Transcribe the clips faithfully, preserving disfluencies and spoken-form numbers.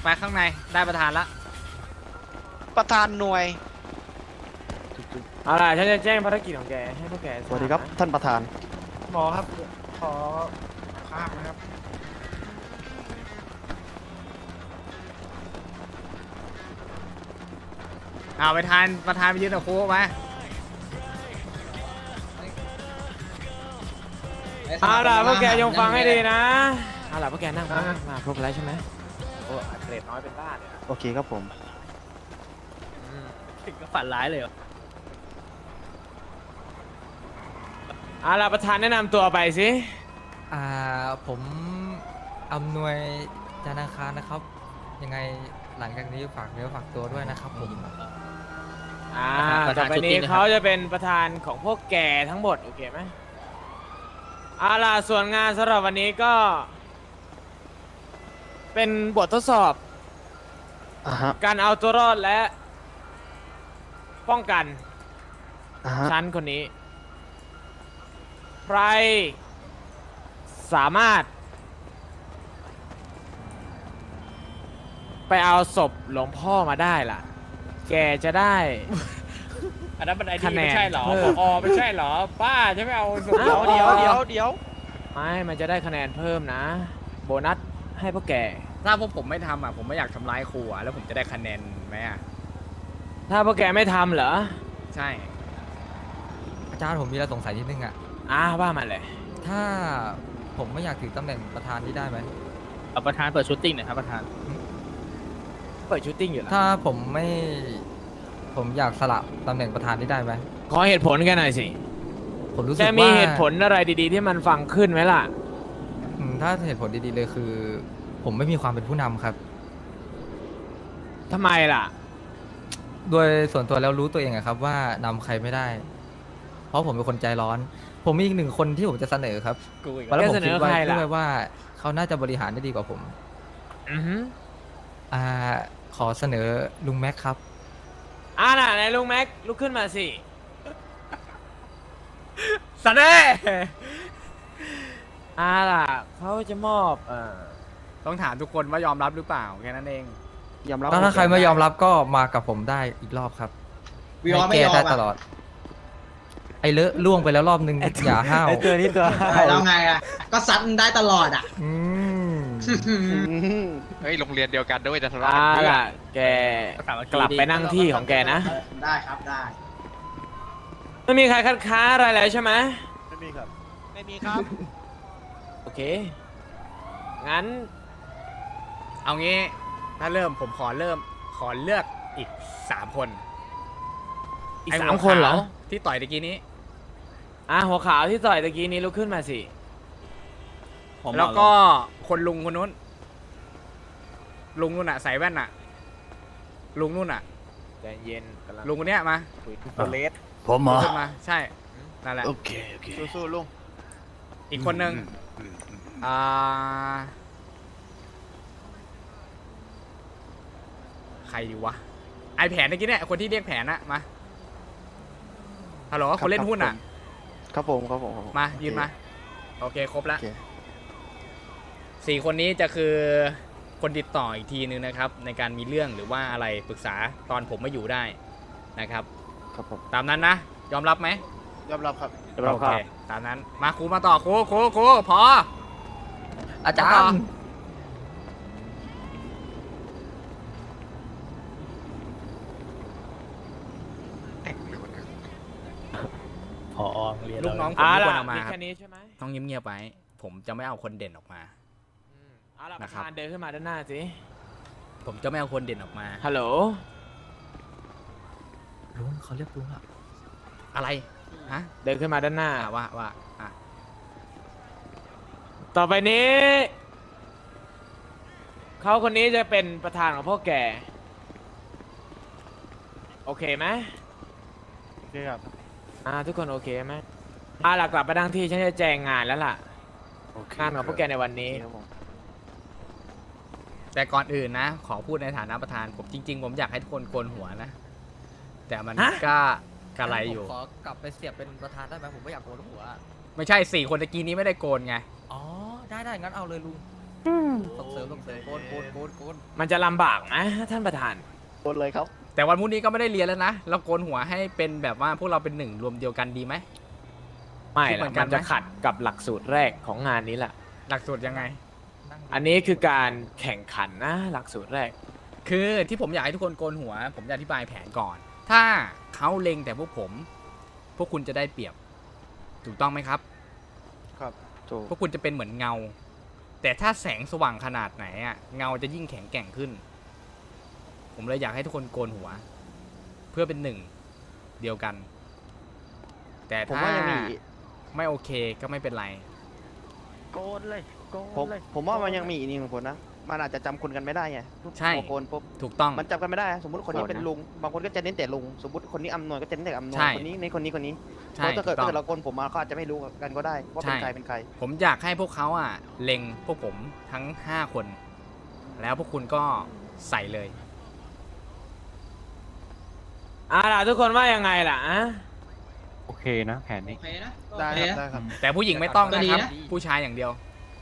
ไปข้างในได้ประธานละประธานหน่วยเอาล่ะฉันจะแจ้งภารกิจของแกให้พวกแกทาสวัสดีครับท่านประธานหมอครับ ขอภาพนะครับเอาไปทานประธานไปยืนกับครูมาเอาล่ะพวกแกยงฟังให้ดีนะเอาล่ะพวกแกนั่งมามาครบแล้วใช่ไหมโอ้เกรดน้อยเป็นบ้าเลยโอเคครับผมถึงกับฝันร้ายเลยเอาล่ะประธานแนะนำตัวไปสิอ่าผมอำนวยจานาคารนะครับ ยังไงหลังจากนี้ฝากเนื้อฝากตัวด้วยนะครับผมอ่าต่อไปนี้เขาจะเป็นประธานของพวกแกทั้งหมดโอเคไหมเอาล่ะส่วนงานสำหรับวันนี้ก็ เป็นบททดสอบอ่าฮะการเอาตัวรอดและ ป้องกันอ่าฮะชั้นคนนี้ ใคร สามารถ ไปเอาศพหลวงพ่อมาได้ล่ะ แกจะได้อันนั้นมันไอ้คะนี่แนนไม่ใช่หรอเพิ่มอ๋อไม่ใช่หรอป้าจะไม่เอาสุดเดี๋ยวเดี๋ยวเดี๋ยวเดี๋ยวไม่ มันจะได้คะแนนเพิ่มนะ โบนัสให้พวกแกถ้าพวกผมไม่ทำอ่ะผมไม่อยากทำร้ายครูอ่ะแล้วผมจะได้คะแนนไหมอ่ะถ้าพวกแกไม่ทำเหรอใช่อาจารย์ผมมีอะไรสงสัยนิดนึงอ่ะอ่าว่ามาเลยถ้าผมไม่อยากถือตำแหน่งประธานนี่ได้ไหมเอาประธานเปิดชูตติ้งหน่อยครับประธานเปิดชูตติ้งอยู่แล้วถ้าผมไม่ผมอยากสละตำแหน่งประธานนี่ได้ไหมขอเหตุผลกันหน่อยสิผมรู้สึแกกมีว่าเหตุผลอะไรดีๆ ที่มันฟังขึ้นไหมล่ะอืมถ้าเหตุผลดีๆเลยคือ ผมไม่มีความเป็นผู้นำครับทำไมล่ะโดยส่วนตัวแล้วรู้ตัวเองอะครับว่านำใครไม่ได้ เพราะผมเป็นคนใจร้อน ผมมีอีกหนึ่งคนที่ผมจะเสนอครับกูอีกแล้วผมแกเสนคิดอว่าใครล่ะด้วยว่าเขาน่าจะบริหารได้ดีกว่าผมอือฮึอ่าขอเสนอลุงแม็กครับอ่าน่ะไหนลุงแม็กลุกขึ้นมาสิสเน่อ่าล่ะเขาจะมอบเอ่อต้องถามทุกคนว่ายอมรับหรือเปล่าแค่นั้นเองยอมรับถ้าใครไม่ยอมรับก็มากับผมได้อีกรอบครับวิวไม่ให้ยอแก้มได้ตลอ่ะอด ไอ้เลอะล่วงไปแล้วรอบนึงอย่าห้าวไอตัวนี้ตัวแล้วไงอ่ะ ก็ซัดมันได้ตลอดอ่ะอืมอืมเฮ้ยโรงเรียนเดียวกันด้วยจะทะเลาะอ่ากันเพื่อล่ะแกกลับไปนั่งที่ของแกนะได้ครับได้ไม่มีใครคัดค้านอะไรแล้วใช่ไหมไม่มีครับไม่มีครับโอเค งั้นเอางี้ถ้าเริ่มผมขอเริ่มขอเลือกอีกสามคนอีกไสามคนเหรอวขาวที่ต่อยตะกี้นี้อ่ะหัวขาวที่ต่อยตะกี้นี้ลุกขึ้นมาสิแล้วก็คนลุงคนนู้น ลุงนู่นอ่ะใส่แว่นอ่ะ ลุงนู่นอ่ะใจเย็นกำลังลุงคนเนี้ยมาคุยตัวเลสผมเหรอขึ้นมาใช่นั่นแหละโอเคโอเคสู้ๆลุงอีกคนนึงอ่าใครดีวะไอแผนตะกี้เนี่ยคนที่เรียกแผนอะมาฮัลโหลคนเล่นหุ้นอะครับผมครับผมครับผมมาโอเคยืนมาโอเคครบแล้วโอเคสี่คนนี้จะคือคนติดต่ออีกทีนึงนะครับ ในการมีเรื่องหรือว่าอะไรปรึกษาตอนผมไม่อยู่ได้นะครับครับผมตามนั้นนะยอมรับไหมยอมรับครับโอเคตามนั้นมาครูมาต่อครูครูครูพออาจารต่อย์พอเรียนลูกน้องผมอ่าไม่ควรล่ะเอามามีครัแค่บนี้ใช่ไหมต้องเงียบๆไว้ผมจะไม่เอาคนเด่นออกมาอืมเอาล่ะปนะระครับธานเดินขึ้นมาด้านหน้าสิผมจะไม่เอาคนเด่นออกมาฮัลโหลลุงเขาเรียกลุงอะอะไรฮะเดินขึ้นมาด้านหน้าอ่ะว่าว่าอ่ะต่อไปนี้ เขาคนนี้จะเป็นประธานของพวกแก โอเคไหมโอเคครับอ่าทุกคนโอเคไหมอ่าหลักกลับไปนั่งที่ฉันจะแจงงานแล้วล่ะโอเคงานของพวกแกในวันนี้ครับผมแต่ก่อนอื่นนะ ขอพูดในฐานะประธานผมจริง ๆ ผมอยากให้ทุกคนโกนหัวนะ แต่มันฮะก็กระไรอยู่ผมขอกลับไปเสียบเป็นประธานได้ไหมผมไม่อยากโกนหัวอะไม่ใช่สี่คนตะกี้นี้ไม่ได้โกนไงอ๋อได้ได้งั้นเอาเลยลุงส่งเสริมส่งเสริมโกนโกนโกนโกนมันจะลำบากไหมท่านประธานโดนเลยครับแต่วันพรุ่งนี้ก็ไม่ได้เรียนแล้วนะ เราโกนหัวให้เป็นแบบว่าพวกเราเป็นหนึ่งรวมเดียวกันดีไหมไม่คิดเหมืละอนกัมัน นไหมจะขัดกับหลักสูตรแรกของงานนี้แหละหลักสูตรยังไงอันนี้คือการแข่งขันนะหลักสูตรแรกคือที่ผมอยากให้ทุกคนโกนหัว ผมจะอธิบายแผนก่อน ถ้าเขาเล็งแต่พวกผม พวกคุณจะได้เปรียบ ถูกต้องไหมครับครับถูกพวกคุณจะเป็นเหมือนเงา แต่ถ้าแสงสว่างขนาดไหนอะเงาจะยิ่งแข็งแกร่งขึ้น ผมเลยอยากให้ทุกคนโกนหัว เพื่อเป็นหนึ่งเดียวกัน แต่ผมถ้าว่ายังมีไม่โอเคก็ไม่เป็นไรโกนเลยโกผมนเลยผมว่ามันยังมีอีกนิดหนึ่งคนนะมันอาจจะจำคนกันไม่ได้ไงใช่พอโกนปุ๊บถูกต้องมันจำกันไม่ได้สมมติคนนี้เป็นลุงบางคนก็จะเน้นแต่ลุงสมมติคนนี้อำนวยก็จะเน้นแต่อำนวยใช่คนนี้ในคนนี้คนนี้เพใช่ราะถ้าเกิดถูกถ้าต้องเกิดเราโกนผมมาเขาอาจจะไม่รู้กันก็ได้ว่าเป็นใช่ใครเป็นใครผมอยากให้พวกเขาอ่ะเล็งพวกผมทั้งห้าคน แล้วพวกคุณก็ใส่เลยอ่าล่ะทุกคนว่ายังไงล่ะอะโอเคนะแผนนี้โอเคนะได้โอเคครับนะได้ครับแต่ผู้หญิงไม่ต้องก็นะดีครับนะผู้ชายอย่างเดียว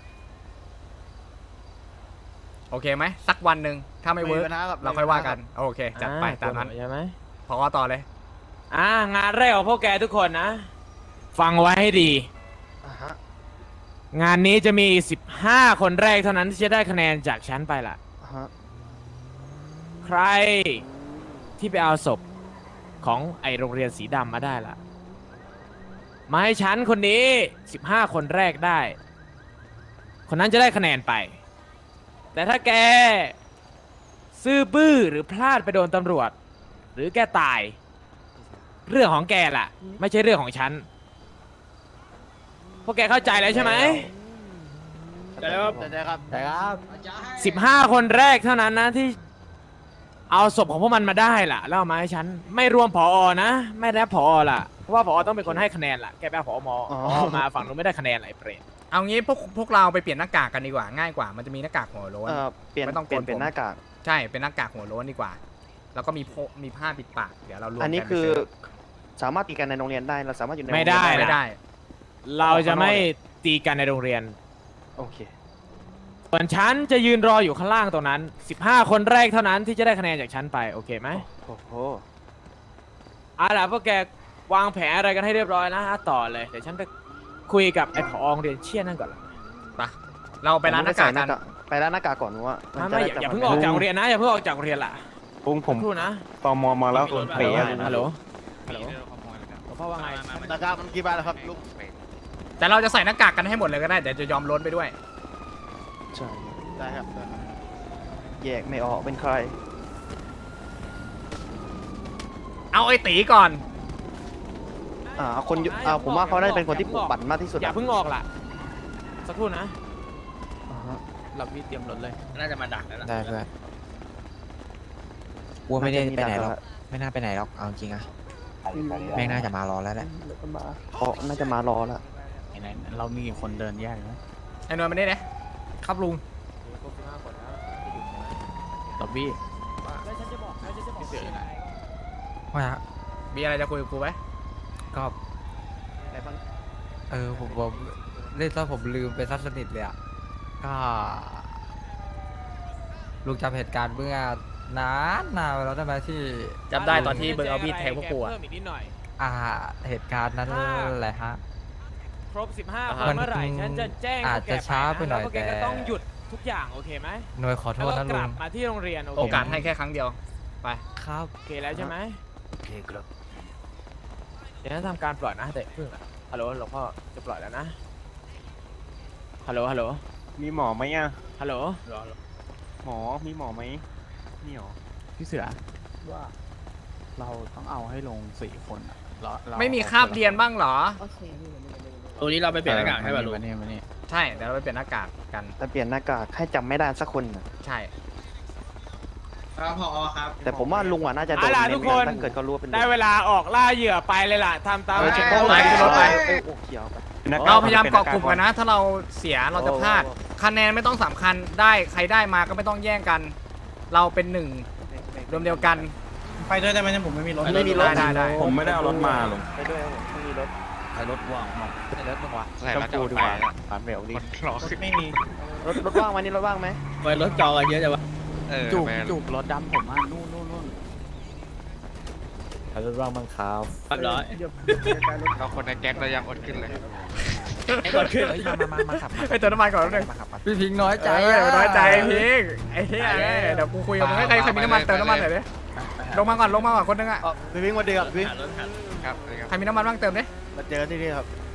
โอเคไหมสักวันหนึ่งถ้าไม่เวิร์กไม่มีปัญหาครับเราค่อยว่ากัน โอเค จัดไปอ่ตามนั้นใช่ไหมพอต่อเลยอ่างานแรกของพวกแกทุกคนนะ ฟังไว้ให้ดีอ่าฮะงานนี้จะมีสิบห้าคนแรกเท่านั้นที่จะได้คะแนนจากฉันไปล่ะอ่าฮะใครที่ไปเอาศพของไอโรงเรียนสีดำมาได้ล่ะ มาให้ฉันคนนี้สิบห้าคนแรกได้ คนนั้นจะได้คะแนนไป แต่ถ้าแก ซื่อบื้อหรือพลาดไปโดนตำรวจ หรือแกตาย เรื่องของแกล่ะ ไม่ใช่เรื่องของฉัน พวกแกเข้าใจแล้วใช่ไหมได้ครับได้ครับแต่ครับสิบห้าคนแรกเท่านั้นนะที่เอาศพของพวกมันมาได้ล่ะแล้วเอามาให้ฉันไม่รวมผอนะ ไม่ได้ผอล่ะเพราะว่าผอต้องเป็นคนให้คะแนนล่ะแกไปเอาผอมอมาฝั่งนู้นไม่ได้คะแนนอะไรเปรตเอางี้พวกพวกเราไปเปลี่ยนหน้ากากกันดีกว่าง่ายกว่า มันจะมีหน้ากากหัวโล้นเอ่อเปลี่ยนไม่ต้องโกนเปลี่ยนเป็นผมหน้ากากใช่เป็นหน้ากากหัวโล้นดีกว่า แล้วก็มีโพมีผ้าปิดปากเดี๋ยวเรารวมกัอันนี้ไปคือซื้สามารถตีกันในโรงเรียนได้เราสามารถอยู่ในไม่ได้โรงเรียนไม่ได้เราจะไม่ตีกันในโรงเรียนโอเคส่วนฉันจะยืนรออยู่ข้างล่างตรงนั้นสิบห้าคนแรกเท่านั้นที่จะได้คะแนนจากฉันไปโอเคไหมโอ้โหเอาล่ะพวกแกวางแผนอะไรกันให้เรียบร้อยนะต่อเลยเดี๋ยวฉันไปคุยกับไอ้ผอโรงเรียนเชี่ยนั่นก่อนละไปเราไปร้านหน้ากากกันไปร้านหน้าากก่อนว่ามันไม่จะไม่อย่าได้อย่าเพิ่งออกจากโรงเรียนนะอย่าเพิ่งออกจากโรงเรียนล่ะปุ้งผมครู่นะตอมอมาแล้วฮัลเป๋โหลอะฮัลโหลฮัลโหลพ่อว่าไงหน้ากากมันกี่บาทแล้วครับลูกแต่เราจะใส่หน้ากากกันให้หมดเลยก็ได้เดี๋ยวจะยอมล้นไปด้วยใช่ได้ครับได้ครับแยกไม่ออกเป็นใครเอาไอ้ตีก่อนอ่าเอาคนอยู่อ่าผมว่าเขาได้เป็นคนที่ปลุกปั่นมากที่สุดอย่าเพิ่งออกล่ะสักครู่นะอ่าฮะเรามีเตรียมรถเลยน่าจะมาดักแล้วล่ะได้เพื่อนวัวไม่ได้น่าจะไปไหนหรอกดักไม่น่าไปไหนหรอก เอาจริงอะแม่งน่าจะมารอแล้วแหละเพราะน่าจะมารอแล้วเรามีคนเดินแยกนะไอ้นวลมาได้นะครับลุงล็อบบี้แล้วฉันจะบอกแล้วฉันจะบอกยังไงว่าฮะมีอะไรจะคุยกับกูไหมก็ไหนฟังเออผมผมเล่นซะผมลืมไปซะสนิทเลยอ่ะก็ลุงจำเหตุการณ์เมื่อนานนานไปแล้วได้ไหมที่จำได้ตอนที่เบิร์เอามีดแทงพวกกูอะเพิ่มอีกนิดหน่อยอ่าเหตุการณ์นั้นแหละฮะครบสิบห้าอ่าคฮะนเมื่อไหร่ฉันจะแจ้งอาจจะช้าไปหน่อยแล้วพวกแกแต่ก็ต้องหยุดทุกอย่างโอเคไหมหน่วยขอโทแล้วษก็นะกลุลังบมาที่โรงเรียนโอเคโอกาสไหมให้แค่ครั้งเดียว ไปครับโอเคแล้วใช่ไหมโอเคครับเดี๋ยวฉันทำการปล่อยนะแต่เพิ่งอะฮัลโหลหลวงพ่อจะปล่อยแล้วนะฮัลโหลฮัลโหลมีหมอไหมอ่ะฮัลโหลหมอมีหมอไหมนี่หรอพี่เสือว่าเราต้องเอาให้ลงสี่คนอะเราเราไม่มีคาบเรียนบ้างเหรอตัวนี้เราไปเปลี่ยนหน้ากากให้ป่ะลุงมานี่มานี่ใช่เดี๋ยวเราไปเปลี่ยนหน้ากากกันแต่เปลี่ยนหน้ากากให้จำไม่ได้สักคนน่ะใช่ครับพอครับแต่ผมว่าลุงอ่ะน่าจะโดนเอาล่ะเน้ทุนกคนถ้าเกิดเขารู้ว่าเป็นลุงได้เวลาออกล่าเหยื่อไปเลยล่ะทำตามเออแผเช็นคกล้องไปขึ้นรถไปโอ้โหเขียวไปเราพยายามเกาะกลุ่มกันนะ ถ้าเราเสียเราจะพลาดโอ้โหคะแนนไม่ต้องสำคัญได้ใครได้มาก็ไม่ต้องแย่งกัน เราเป็นหนึ่งรวมเดียวกันไปด้วยได้ไหมเนี่ยผมไม่มีรถไม่มีรถได้ได้ผมไม่ได้เอารถมาลงไปด้วยครับไม่มีรถคแต่รถว่างมองแต่รถมึงวะใส่แล้วจะกูเอาดีไปกว่าอะผ่านเร็วดิคนรอขึ้นไม่มีรถรถว่างวันนี้รถว่างไหมไปรถจองกันเยอะจังวะเออจูบแม่จูบรถดำผมอ่ะนู่นนู่นนู่นรถว่างบังคับเรียบร้อยเราคนในแก๊งเรายังอดขึ้นเลยไอ้ก่อนขึ้นเฮ้ยมามามาขับไอ้ยเติมน้ำมันก่อนแล้วนึงมาขับมาพี่พิงค์น้อยใจเอออะอย่าไปน้อยใจพิงไอ้เหี้ยเอ้ยเดี๋ยวกูคุยกับมึงให้ใครใครมีน้ำมันเติมน้ำมันหน่อยดิลงมาก่อนลงมาก่อนคนนึงอ่ะเออพี่วิ่งมาเดือกพี่หารถหารถครับเลยครับใครมีน้ำมันบ้างเติมดิมาเจอที่นี่ครับ